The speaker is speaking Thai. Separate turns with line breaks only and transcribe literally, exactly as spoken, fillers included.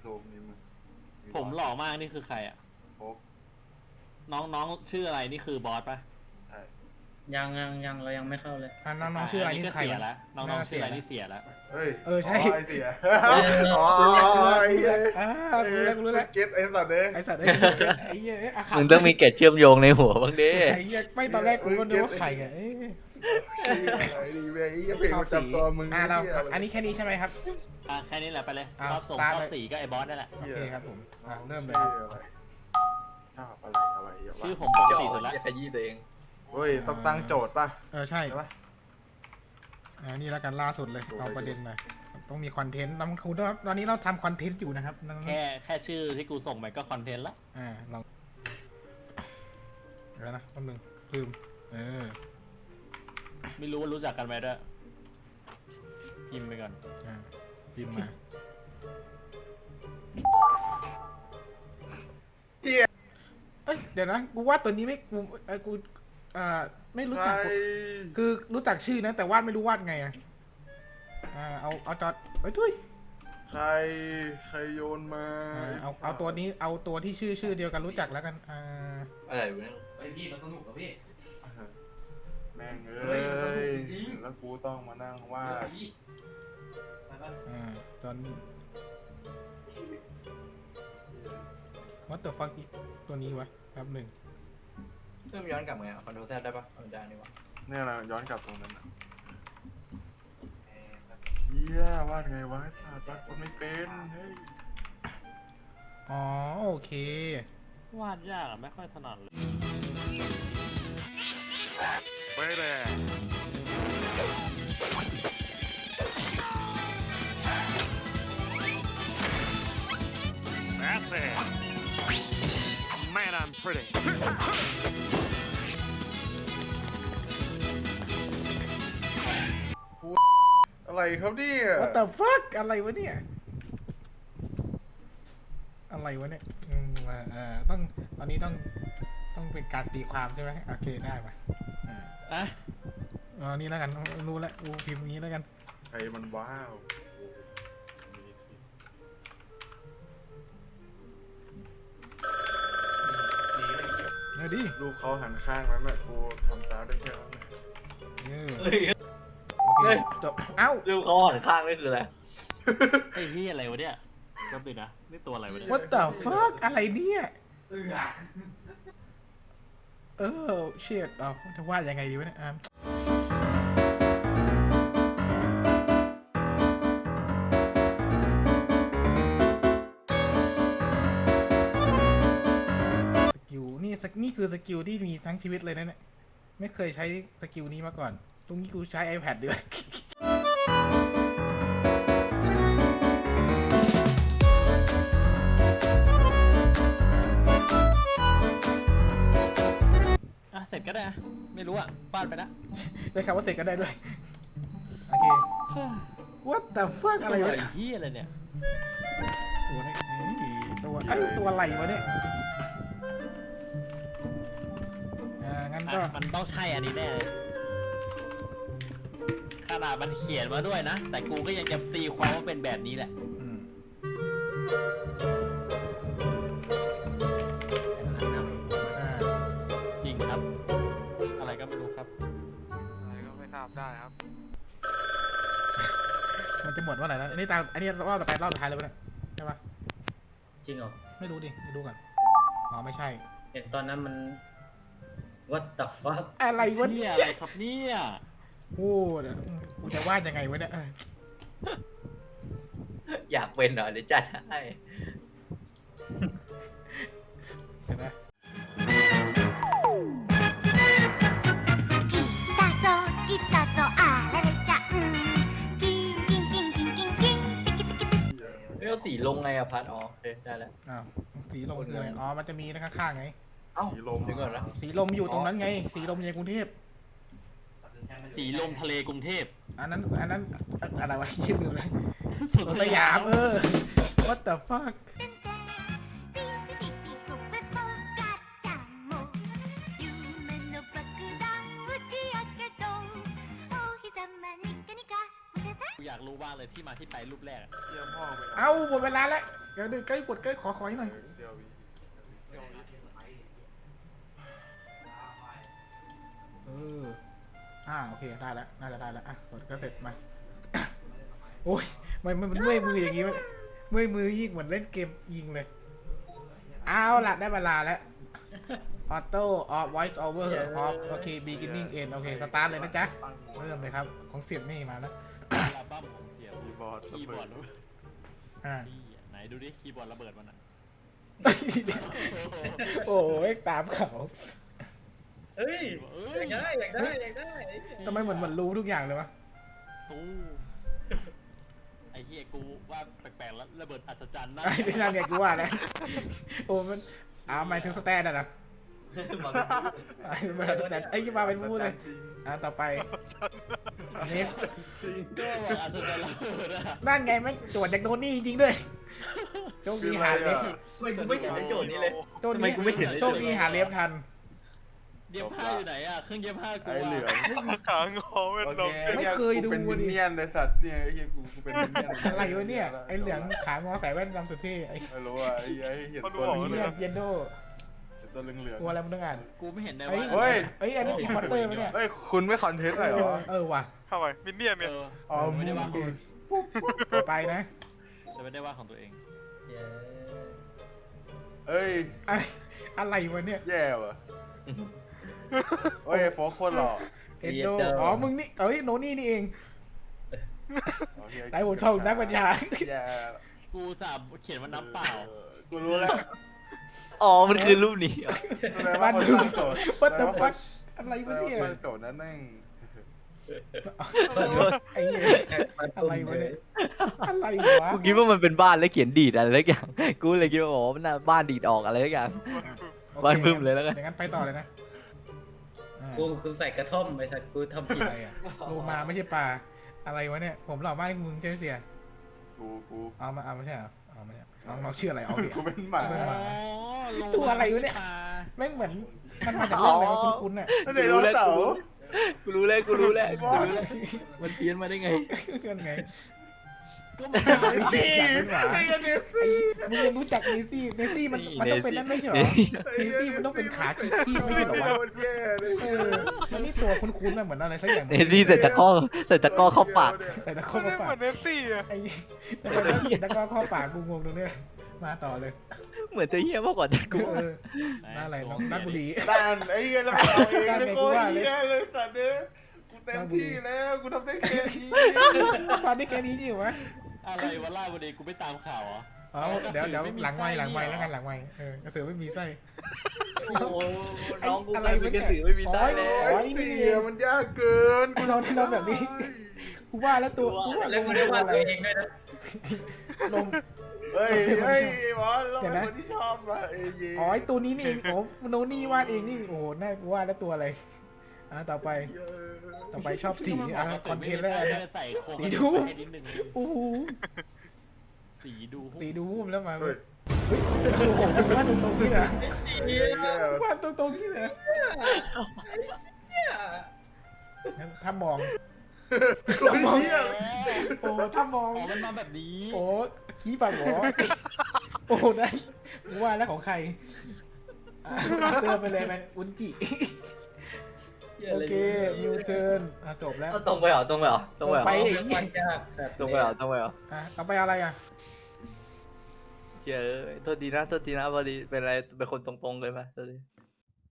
ซูมนี่มึง
ผมหล่อมากนี่คือใครอ่ะ
โอ๊ก
น้องน้องชื่ออะไรนี่คือบอสปะ
ใช่
ยังยังยังเรายังไม่เข้าเลย
อ่ะน้องๆชื่ออะไรนี่
ก็
ใคร
เสีย
วะ
แล้วน้องๆชื่ออะไรนี่เสียแล้ว
เฮ้ย
เออใช่
ไอเสีย
เออ
อ๋อไอ้เหี้ย
อ่ารู้แล้วรู้แล้ว
เก็ตไอ้สัตว์เด้
ไอสัตว์ไอ้ไอ้เหี้ยไอ้อาขา
มึงต้องมีเกร็ดเชื่อมโยงในหัวบ้างดิ
ไอ้เหี้ยไม่ตอนแรกกูก็นึกว่าใครอ่ะเอ๊ะ
ชื่ออะไรดีเว้ยไอ้เพลงประจำตัวมึง
อ่ะเรา
หี้ยะไ
อันนี้แค่นี้ใช่ไหมครับ
อ่ะแค่นี้แหละไปเลย
อ่ะ
รอบส่ง
ตาม
รอ
เล
บ
ย
สี่ก็ไอ้บอสนั่นแหละ
โอเคครับผมอ่ะเริ่มเลย
ชื่
ครับ
ออะไรชอบอะไรอะไรอย่าว่า
ชื่อผมปกติสุดแล้ว
อย่าขยี้ตัวเอง
เฮ้ยต้องตั้งโจทย์ป่ะ
เออใช่
ใช่ป่ะ
อ่านี่แล้วกันล่าสุดเลย
ดูเลย
เอาประเด็นหน่อยต้องมีคอนเทนต์ต้องคุณครับตอนนี้เราทำคอนเทนต์อยู่นะครับน้องๆ
แค่แค่ชื่อที่กูส่งไปก็คอนเทนต์ละ
อ่าลองเดี๋ยวนะแป๊บนึงลืมเออ
ไม่รู้ว่ารู้จักกันไหมด้วยพิมพ์ไปก่อน
อ่าพิมพ์มาเอ้ยเดี๋ยวนะกูว่าตัวนี้ไม่กูเออกูอ่าไม่รู้
ใคร
จักคือรู้จักชื่อนะแต่วาดไม่รู้วาดไงอ่ะอ่าเอาเอาจอดเอ้ยทุย
ใครใครโยนมา
อ่าเอาเอาตัวนี้เอาตัวที่ชื่อชื่อเดียวกันรู้จักแล้วกันอ่า
อะไรวะเนี่ย
ไอพี่มันสนุกกับพี่
แม่งเอ้
เฮ้
ย
ยมันสนุกจริง
แล้วกูต้องมานั่งวาด
พี่ไปปะ
อ่าตอนนี้ what the fuck อีกตัวนี้วะแป๊บหนึ่ง
เริ่มย้อนกลับไงคอนโทรลแซดได้ปะเอาได้นี่วะ
เนี่ยนะย้อนกลับตรงนั้นนะเชี่ยวาดไงวะไอ้สัตว์วาดคนไม่เป็นเฮ้ย
อ๋อโอเคว
าดยากอะไม่ค่อยถนัดเลย
ไปเลย
Sassy. Man, I'm pretty.
อะไรครับเนี่ย
what the fuck อะไรวะเนี่ยอะไรวะเนี่ยอืมอ่าอ่าต้องตอนนี้ต้องต้องเป็นการตีความใช่ไหมโอเคได้ปะอ่า
อ่ะ
อ๋อนี่แล้วกันรู้แล้วกูพิมพ์นี้แล้วกัน
ใครมันว้าวโอ้มีสิ
เดี๋ยวดิ
ลูกเขาหันข้างนั้นแหละกูทำตามได้แค่นั้นแหละ
เออ
เฮ้ย
โอเคจบเอ้า
รูปเขาหันข้างนี่คืออะไร
ไอ้ที่อะไรวะเนี่ยก็ปิดนะนี่ตัวอะไรวะเนี่ย
what the fuck อะไรเนี่ย
เออ
เออเชียดเอาจะวาดยังไงดีวะเนี่ยอ่ะสกิลนี่สกนี่คือสกิลที่มีทั้งชีวิตเลยนะเนี่ยไม่เคยใช้สกิลนี้มาก่อน ตรงนี้กูใช้ iPad ด้วย
อ่ะเสร็จก็ได้อะไม่รู้อ่ะวาดไปนะ
ใช้คำว่าเตะกันได้ด้วย โอเค what the fuck อะไร
ตัว
วะ
ไอ้
เนี่ย
ที่อะไรเนี่ย
ตัวนี้เอ้ยตัวไอ้ยตัวอะไรวะเนี่ยอ่างั้นก็
อ่ะมันต้องใช่อันนี้แน่เลยขนาดมันเขียนมาด้วยนะ แต่กูก็ยังจะตีความว่าเป็นแบบนี้แหละ
อืม อ่า
จริงครับ อะไรก็ไม่รู้ครับ
อะไรก็ไม่ทราบได้ครับ
มันจะหมดว่าไหนแล้วอันนี้ตามอันนี้รอบต่อไปรอบสุดท้ายเลยปะเนี่ยใช่ปะ
จริงเหรอ
ไม่รู้ดิไม่รู้ก่อนอ๋อไม่ใช่
เห็นตอนนั้นมัน what the fuck
อะไรวะ
เนี่
เนี่ย ย
อะไรครับเนี่ย
โอ้เดี๋ยวกูจะวาดยังไงวะเนี่ยเออ
อยากเป็นเหรอเดี๋ยวจัดให้
เห็นไหม
来たぞ来たぞあられちゃんキンキンキンキンキンキンテキテキテキ
ไม่เอาสีลงไงอะพัดอ๋อโอเคได้แล้ว
อ้าวสีลมคืออะไรอ๋อมันจะมีนะข้างๆไง
เอ้า
สีลม
เดี๋ยวก่อนนะ
สีลมอยู่ตรงนั้นไง สีลมในกรุงเทพ
สีลมทะเลกรุงเทพ
อันนั้นอันนั้นอะไรวะคิดดูเลย
สวน
สวนสยามเออ what the fuck
ピンピピピポペポガッチャンも夢の爆弾打ち上げろお日様ニカニカむけた
กูอยากรู้บ้างเลยที่มาที่ไปรูปแรกอะ
เยี่ยมพ่อไป
เอ้าหมดเวลาแล้วเดี๋ยวดูใกล้ปวดใกล้ขอขออีกหน่อย
เซียววี
เอออ่าโอเคได้แล้วน่าจะได้แล้วอ่ะสดก็เสร็จมา โอ้ยมันมันมันเมื่อยมืออย่างงี้มันเมื่อยมือยิ่งเหมือนเล่นเกมยิงเลยเอาล่ะได้เวลาแล้วออโต้ออฟ voice over off โอเค beginning end โอเคสตาร์ทเลยนะจ๊ะเริ่มเลยครับของเสียบนี่มาแล้ว
อัลบั้มของเสียง
คีย์บอร์ด
คีย์บอร์ด
อ่า
นี่ไหนดูดิคีย์บอร์ดระเบิดมันอ่ะ
โอ้ยตามเขา
เฮ้ย
เอ้
อย ยากได้อยากได้อยากได้
ทำไมเหมือนเหมือนรู้ทุกอย่างเลยวะ
ตู้ไอ้เฮียกูว่าแปลกๆแล้วระเบิดอัศจรรย์นะ
ไอ้ที่นั่นไงกูว่าแล้วโอ้มันอ้าวหมายถึงสแตนอะนะ
มาเป็นผู้
ไอ้มาสแตนไอ้ยี่มาเป็นพูดเลย
จริง
อ่ะต่อไปนี่
จริง
ก็บอกอัศจรรย์ระเบิดอะ
นั่นไงไม่ตรวจจากโดนี่จริงๆด้วยโชคดีหาเล็บ
ทำไมกูไม่เห็นในโจทย์นี้เลย
โชคดีโชคดีหาเล็บทัน
เย็บผ้าอยู่ไหนอ่ะเครื่องเย็บผ้ากู
ไอ้เหลือง
ขางอเป็น
โอ
ล
เค
ม
ไม่เคยดู
กูเป็นมิน
ดิ
เนี่ยนในสัตว์เนี่ยไอ้เหี้ยกูกูเป็นมินเนี่ยน
อะไรวะเนี่ยไอ้เหลืองขางอใส่แว่นดำสุดเท่ไอ้
ไม่รู้อ่ะไอ้ไอ้เห็นตัว
ไอ้
เหลื
เนี่
อย ง
เยนโด
เห็นตัวเหลือง
กลัวอะไรมึงต้องอ่าน
กูไม่เห็นใน
เฮ้ย
ว่า
เฮ้ย
เอ้ยอันนี้อีพอตเตอร์ไหมเนี่ย
เฮ้ยคุณไม่คอนเทนต์เลยเหรอ
เออว่ะ
ทำไมมินเนี่ยน
เอ
เนี่ย
อ
อ๋อ
ไม่
มู
ได้ว่า
กูส
ต่อไปนะ
จะไม่ได้ว่าของตัวเอง
เอ้ย
ไอ้อะไรวะเนี่ย
แย่ว่ะเฮ้ยโฟกโคตรหล่อ
เอ็นโดอ๋อมึงนี่เอ้ยโนนี่นี่เอง
โอเค
ไอ้ผมชอบนักบัญชา
แย่
กูสาบเขียนว่าน้ำเปล่า
ออกูรู้แล้ว
อ๋อมันคือรูปนี้
แสดงว่าคนตั้งโจทย์
What the
แสดงว่า
fuck อะไร
แส
วะ
ดง
เนี่ย
ว่าคนโจทย์นั้นแม่ง
ไอ้เหี้ยอะไรวะเนี่ยอะไรวะ
กูคิดว่ามันเป็นบ้านแล้วเขียนดีดอะไรสักอย่าง กูเลยคิดว่าอ๋อมันน่าบ้านดีดออกอะไรสักอย่าง
โอค
บ้านบึ้มเลยแล้วกัน
อย่างนั้นไปต่อเลยนะอ่า
กูกูใส่กระท่อมไปสัตว์กูทำผิด
อะไรอะโลมาไม่ใช่ปลาอะไรวะเนี่ยผมหล่อมากมึงใช่ไหมเสีย
กูกู
เอามาเอาไม่ใช่เหรอเอาไม่ใช่น้องน้องชื่ออะไรเอาดิ
กูเป็นหมา
เป็นหมา
ลง
ตัวอะไรวะเนี่ย แม่งเหมือนมันมาจากเรื่องอะไรวะคุ้นๆน่ะ
ไดโนเสาร์
กูรู้แล้วกูรู้แล้ว
กูรู้แล้ว
มันเพี้ยนมาได้ไง
เพื่อนไง
ก็มัน
เนซี่
ไอ้เนซี่
มึงยังรู้จักเนซี่เนซี่มันมันต้องเป็นนั่นไม่ใช่เหรอเนซี่มันต้องเป็นขาคีคีบไม่ใช่เหรอวะ
มันแย่เลย
เออมันนี่ตัวคุ้นๆน่ะเหมือนอะไรสักอย่าง
เนซี่แต่ตะก้อแต่ตะก้อเข้าปาก
ใส่ตะโค
ไม่
มา
ได้
ปา
เหมื
ก
อนเนสซี่อะ
ไอ้แต่มันต้องใส่ตะกร้อเข้าปากกูงงตรงเนี้ยมาต่อเลย
เหมือนจะเฮี้ยมากกว่าแต่กู
เออน่าอะไรน้องนักบุรี
ด้านไอ้เงี้ยแล้วมันเอาเอง
ด้าน
เลย
ไหน
โค
กู
ตร
ว่าเลย
เหี้ยเลยสัตว์เนี่ยกูเต็มที่แล้วกูทำได้แค่นี้
ฟันได้แค่นี้จริงเหรอวะ
อะไรวะล่าวันนี้กูไม่ตามข่าวอ่ะ
อ๋อเดี๋ยวเดี๋ยวหลังไม้หลังไม้แล้วกันหลังไม้เออกระสือไม่มีไส้
โอ้โหน้องกู
อะ
ก
ไร
ลายเป็นกระสือไม่มีไส้แล้ว
อ๋อ
ไอ้เสียมันยากเกิน
กูนอนที่นอนแบบนี้กูว่าแล้วตัวกูว่า
แล้วกูได้วาดตัวเองด้วยนะ
ลม
เฮ้ยเฮ้ยบอสเราเป็นคนที่ชอบว่ะเอ้ย
อ๋อไอตัวนี้นี่เองโอ้โนนี่วาดเองนี่โอ้โหน่ากูว่าแล้วตัวอะไรอ่ะต่อไปต่อไปชอบสีอ่ะคอนเทนต์แล้วกันนะ
ใส่โครง
สีดู
ให้นิดนึง
โอ้โห
สีดู
สีดูหุ้มแล้วมา
เฮ้
เฮ้
ย
ยโอ้โหมึงวาดตรงๆนี่นะ
เหี้ยว
าดตรงๆนี่นะงั้นถ้ามอง
ตัวเหี้ย
โอ้ถ้ามอง
อ๋อมันมาแบบนี้
โอ้ขี้ปากหมอโอ้ได้กูว่าแล้วของใครอ่ะเติมไปเลยมันอุนจิโอเคนิวเทิร์นอ่ะจบแล้ว
เอาตรงไปเหรอตรงไปเหรอตรงไปเหรอ
ไป
วาดยากสัตว์
ตรงไปเหรอตรงไปเหรอ
อ่ะต่อไปอะไรอ่ะ
เชื่อเอ้ยโทษดีนะโทษทีนะพอดีเป็นอะไรเป็นคนตรงๆเลยไหมโทษที